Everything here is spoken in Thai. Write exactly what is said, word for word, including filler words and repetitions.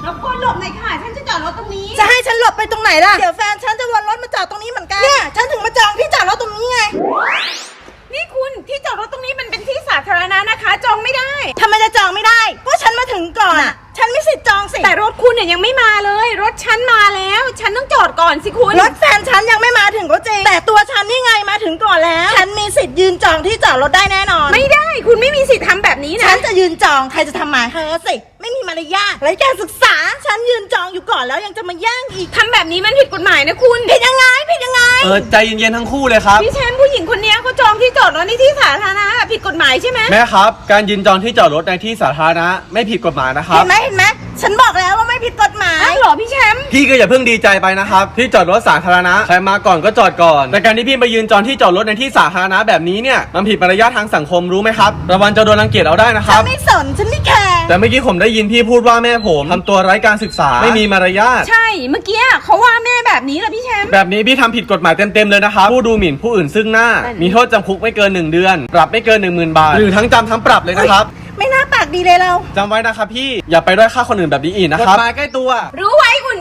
รบกวนหลบหน่อยค่ะฉันจะจอดรถตรงนี้จะให้ฉันหลบไปตรงไหนล่ะเดี๋ยวแฟนฉันจะวนรถมาจอดตรงนี้เหมือนกันเนี่ยฉันถึงมาจองที่จอดรถตรงนี้ไงนี่คุณที่จอดรถตรงนี้มันเป็นที่สาธารณะนะคะจองไม่ได้ทำไมจะจองไม่ได้ก็ฉันมาถึงก่อนอ่ะฉันไม่สิทธิ์จองสิแต่รถคุณเนี่ยยังไม่มาเลยรถฉันมาแล้วฉันต้องจอดก่อนสิคุณรถแฟนฉันยังไม่มาถึงก็จริงแต่ตัวฉันนี่ไงมาถึงก่อนแล้วฉันมีสิทธิ์ยืนจองที่จอดรถได้แน่นอนไม่ได้คุณไม่มีสิทธิ์ทำแบบนี้นะฉันจะยืนจองใครจะทำหมายเธอสิไม่มีมารยาทไร้การศึกษาฉันยืนจองอยู่ก่อนแล้วยังจะมาแย่งอีกทำแบบนี้มันผิดกฎหมายนะคุณผิดยังไงผิดยังไงเออใจเย็นๆทั้งคู่เลยครับพี่แชมป์ผู้หญิงคนนี้เขาจองที่จอดรถในที่สาธารณะผิดกฎหมายใช่ไหมแม่ครับการยืนจองที่จอดรถในที่สาธารณะไม่ผิดกฎหมายนะครับเห็นไหมเห็นไหมฉันบอกแล้วว่าไม่ผิดกฎหมายอ้าวเหรอพี่แชมป์พี่ก็อย่าเพิ่งดีใจไปนะครับที่จอดรถสาธารณะใครมาก่อนก็จอดก่อนแต่การที่พี่ไปยืนจองที่จอดรถในที่สาธารณะแบบนี้เนี่ยมันผิดมารยาททางสังคมรู้ไหมครับระวังจะโดนรังเกียจเอาได้นะครับฉันไม่สนฉันไม่แคร์แต่เมื่อกี้ผมได้ยินพี่พูดว่าแม่ผมทำตัวไร้การศึกษาไม่มีมารยาทใช่เมื่อกี้เขาว่าแม่แบบนี้เหรอพี่แชมป์แบบนี้พี่ทำผิดกฎหมายเต็มๆเลยนะครับผู้ดูหมิ่นผู้อื่นซึ่งหน้ามีโทษจำคุกไม่เกินหนึ่งเดือนปรับไม่เกิน หนึ่งหมื่น บาทหรือทั้งจำทั้งปรับเลยนะครับไม่น่าปากดีเลยเราจำไว้นะครับพี่อย่าไปด้อยค่าคนอื่นแบบนี้อีกนะครับกฎหมายใกล้ตัวรู้ไว้คุณ